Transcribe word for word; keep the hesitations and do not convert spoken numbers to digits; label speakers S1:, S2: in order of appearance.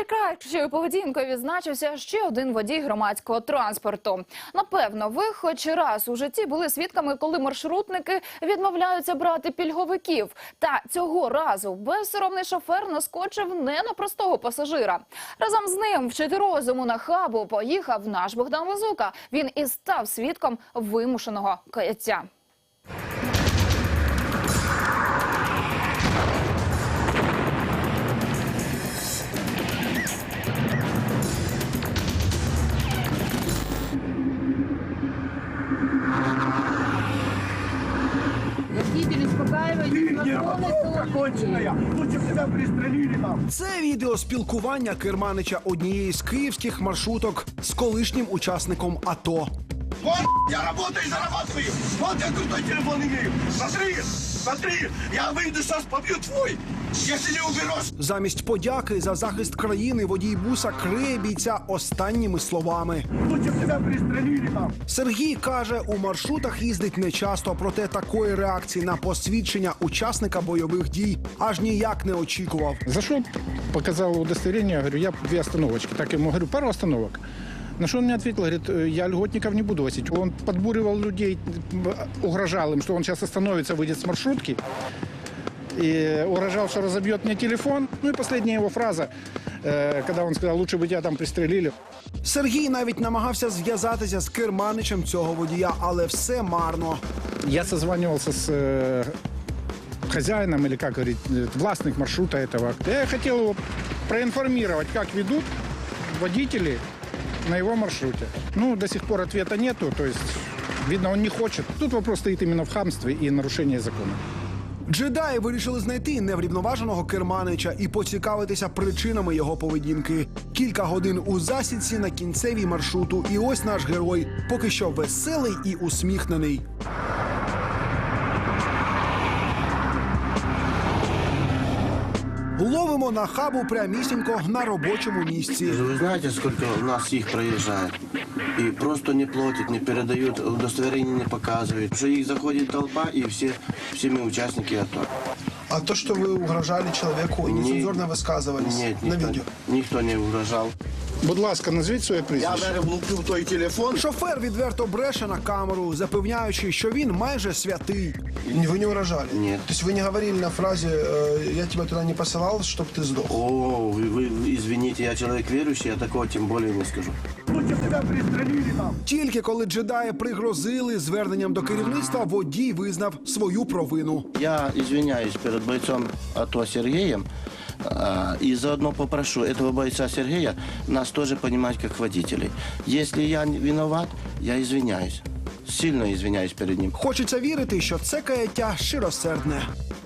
S1: Найкращою поведінкою відзначився ще один водій громадського транспорту. Напевно, ви хоч раз у житті були свідками, коли маршрутники відмовляються брати пільговиків. Та цього разу безсоромний шофер наскочив не на простого пасажира. Разом з ним вчити розуму на хабу поїхав наш Богдан Лазука. Він і став свідком вимушеного каяття.
S2: Водители успокаивают.
S3: Це відео спілкування керманича однієї з київських маршруток з колишнім учасником АТО.
S4: Вот, я работаю и зарабатываю. Вот я крутой телефон имею. Смотри, смотри, я выйду сейчас, побью твой, если не уберешь.
S3: Замість подяки за захист країни водій буса криє бійця останніми словами.
S4: Лучше б тебя пристрелили там.
S3: Сергій каже, у маршрутах їздить нечасто, проте такої реакції на посвідчення учасника бойових дій аж ніяк не очікував.
S5: Зашел, показал удостоверение, говорю, я две остановочки. Так ему говорю, пару остановок. На что он мне ответил, говорит, я льготников не буду возить. Он подбуривал людей, угрожал им, что он сейчас остановится, выйдет с маршрутки. И угрожал, что разобьет мне телефон. Ну и последняя его фраза, когда он сказал, лучше бы тебя там пристрелили.
S3: Сергій навіть намагався зв'язатися з керманичем цього водія, але все марно.
S5: Я созванивался с э, хозяином, или как говорить, властных маршрута этого. Я хотел его проинформировать, как ведут водители на его маршруте. Ну, до сих пор ответа нету, то есть, видно, он не хочет. Тут вопрос стоит именно в хамстве и нарушении закона.
S3: Джедаї вирішили знайти неврівноваженого керманича і поцікавитися причинами його поведінки. Кілька годин у засідці на кінцевій маршруту. І ось наш герой, поки що веселий і усміхнений. Ловимо на хабу прямісінько на робочому місці.
S6: Вы знаете, сколько у нас их проезжает? И просто не платят, не передают, удостоверение не показывают. Что их заходит толпа, и все, все мы участники АТО.
S7: А то, что вы угрожали человеку и нецензурно высказывались
S6: Нет,
S7: на
S6: никто,
S7: видео?
S6: никто не угрожал.
S5: Будь ласка, назвіть своє
S4: Я
S5: прізвище.
S4: даже влупил той телефон.
S3: Шофер відверто бреше на камеру, запевняючи, що він майже святий.
S7: Не, Вы не угрожали?
S6: Нет.
S7: То есть вы не говорили на фразе э, «я тебя туда не посылал, чтобы ты сдох»?
S6: О, вы, вы извините, я человек верующий, я такого тем более не скажу.
S4: Лучше б тебя пристрелили там.
S3: Тільки коли джедаї пригрозили зверненням до керівництва, водій визнав свою провину.
S6: Я извиняюсь перед бойцом АТО Сергеем, а, и заодно попрошу этого бойца Сергея нас тоже понимать как водителей. Если я не виноват, я извиняюсь. Сильно извиняюсь перед ним.
S3: Хочеться вірити, що це каяття щиросердне.